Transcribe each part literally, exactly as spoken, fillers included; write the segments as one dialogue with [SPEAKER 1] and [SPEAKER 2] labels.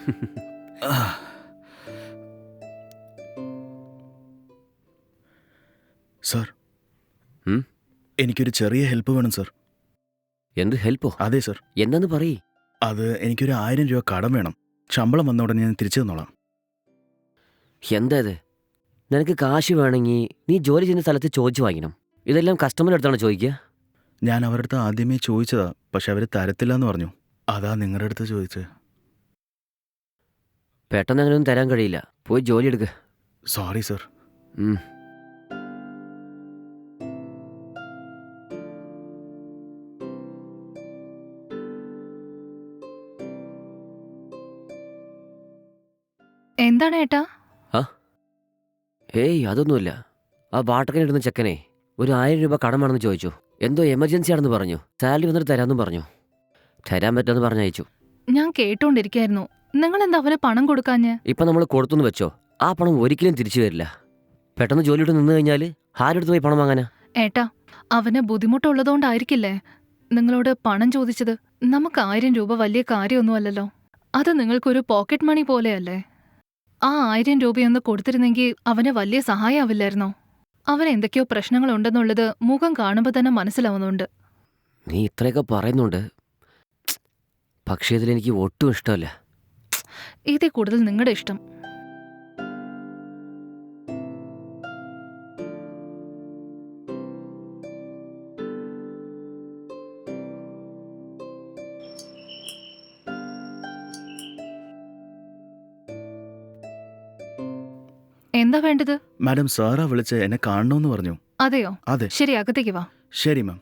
[SPEAKER 1] Sir, എനിക്കൊരു ചെറിയ help വേണം സർ.
[SPEAKER 2] എന്ത് ഹെൽപ്പോ?
[SPEAKER 1] അതെ സർ.
[SPEAKER 2] എന്താന്ന് പറയ്.
[SPEAKER 1] അത് എനിക്കൊരു ആയിരം രൂപ കടം വേണം. ശമ്പളം വന്ന ഉടനെ ഞാൻ തിരിച്ചു തന്നോളാം.
[SPEAKER 2] എന്താ ഇത്? നിനക്ക് കാശ് വേണമെങ്കിൽ നീ ജോലി ചെയ്യുന്ന സ്ഥലത്ത് ചോദിച്ചു വാങ്ങിക്കണം. ഇതെല്ലാം കസ്റ്റമർ അടുത്താണ് ചോദിക്കുക.
[SPEAKER 1] ഞാൻ അവരുടെ അടുത്ത് ആദ്യമേ ചോദിച്ചതാ, പക്ഷെ അവർ തരത്തില്ല എന്ന് പറഞ്ഞു. അതാ നിങ്ങളുടെ അടുത്ത് ചോദിച്ചത്.
[SPEAKER 2] പെട്ടെന്ന് അങ്ങനെയൊന്നും തരാൻ കഴിയില്ല. പോയി ജോലി എടുക്കുക.
[SPEAKER 1] Sorry sir.
[SPEAKER 3] എന്താണ് ഏട്ടാ?
[SPEAKER 2] ആ ഏയ് അതൊന്നുമില്ല. ആ വാട്ടക്കനിടുന്ന ചെക്കനെ ഒരു ആയിരം രൂപ കടമാണെന്ന് ചോദിച്ചു. എന്തോ എമർജൻസി ആണെന്ന് പറഞ്ഞു. സാലറി വന്നിട്ട് തരാമെന്നും പറഞ്ഞു. തരാൻ പറ്റുമെന്ന് പറഞ്ഞയച്ചു.
[SPEAKER 3] ഞാൻ കേട്ടോണ്ടിരിക്കായിരുന്നു. നിങ്ങൾ എന്താ അവന് പണം കൊടുക്കാഞ്ഞ്?
[SPEAKER 2] ഇപ്പൊ നമ്മൾ കൊടുത്തുനിന്ന് വെച്ചോ, ആ പണം ഒരിക്കലും തിരിച്ചു വരില്ല. പെട്ടെന്ന് ജോലിയിട്ട് നിന്ന് കഴിഞ്ഞാൽ ആരെടുത്ത് പോയി പണം വാങ്ങാനാ?
[SPEAKER 3] ഏട്ടാ, അവന് ബുദ്ധിമുട്ടുള്ളതുകൊണ്ടായിരിക്കില്ലേ നിങ്ങളോട് പണം ചോദിച്ചത്. നമുക്ക് ആയിരം രൂപ വലിയ കാര്യമൊന്നുമല്ലല്ലോ. അത് നിങ്ങൾക്കൊരു പോക്കറ്റ് മണി പോലെയല്ലേ. ആ ആയിരം രൂപയൊന്ന് കൊടുത്തിരുന്നെങ്കിൽ അവന് വലിയ സഹായമാവില്ലായിരുന്നോ? അവന് എന്തൊക്കെയോ പ്രശ്നങ്ങളുണ്ടെന്നുള്ളത് മുഖം കാണുമ്പോൾ തന്നെ മനസ്സിലാവുന്നുണ്ട്.
[SPEAKER 2] നീ ഇത്രയൊക്കെ പറയുന്നുണ്ട്, പക്ഷേ ഇതിലെനിക്ക് ഒട്ടും ഇഷ്ടമല്ല.
[SPEAKER 3] ഇതിൽ കൂടുതൽ നിങ്ങളുടെ ഇഷ്ടം. എന്താ വേണ്ടത്?
[SPEAKER 1] മാഡം, സാറാ വിളിച്ച് എന്നെ കാണണമെന്ന് പറഞ്ഞു.
[SPEAKER 3] അതെയോ?
[SPEAKER 1] അതെ.
[SPEAKER 3] ശരി, അകത്തേക്ക് വാ.
[SPEAKER 1] ശരി മാം.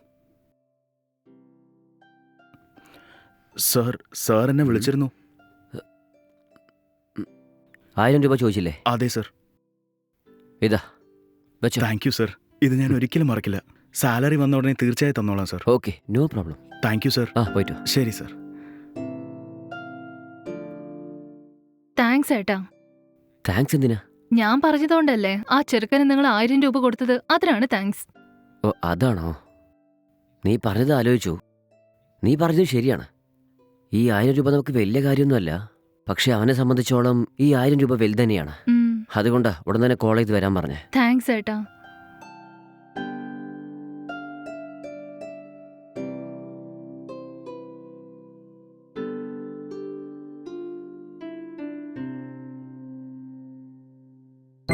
[SPEAKER 1] സാർ, സാർ എന്നെ വിളിച്ചിരുന്നു.
[SPEAKER 2] ആയിരം രൂപ ചോദിച്ചില്ലേ?
[SPEAKER 1] അതെ സർ.
[SPEAKER 2] ഇതാ വെച്ചോ.
[SPEAKER 1] Thank you sir. ഇത് ഞാൻ ഒരിക്കലും മറക്കില്ല. സാലറി വന്ന ഉടനെ തീർച്ചയായും തന്നോളാം sir.
[SPEAKER 2] Okay, no problem.
[SPEAKER 1] Thank you sir.
[SPEAKER 2] ആ പോയിട്ടോ.
[SPEAKER 1] ശരി സർ.
[SPEAKER 3] താങ്ക്സ് ഏട്ടാ.
[SPEAKER 2] താങ്ക്സ് എന്തിനാ?
[SPEAKER 3] ഞാൻ പറഞ്ഞതുകൊണ്ടല്ലേ ആ ചെറുക്കന് നിങ്ങൾ ആയിരം രൂപ കൊടുത്തത്. അതിനാണ് താങ്ക്സ്.
[SPEAKER 2] ഓ അതാണോ? നീ പറഞ്ഞത് ആലോചിച്ചു. നീ പറഞ്ഞത് ശരിയാണ്. ഈ ആയിരം രൂപ നമുക്ക് വലിയ കാര്യമൊന്നുമല്ല, പക്ഷെ അവനെ സംബന്ധിച്ചോളം ഈ ആയിരം രൂപ വലുത് തന്നെയാണ്. അതുകൊണ്ടാ ഉടൻ തന്നെ കോൾ ചെയ്ത് വരാൻ പറഞ്ഞേ.
[SPEAKER 3] താങ്ക്സ് ഏട്ടാ.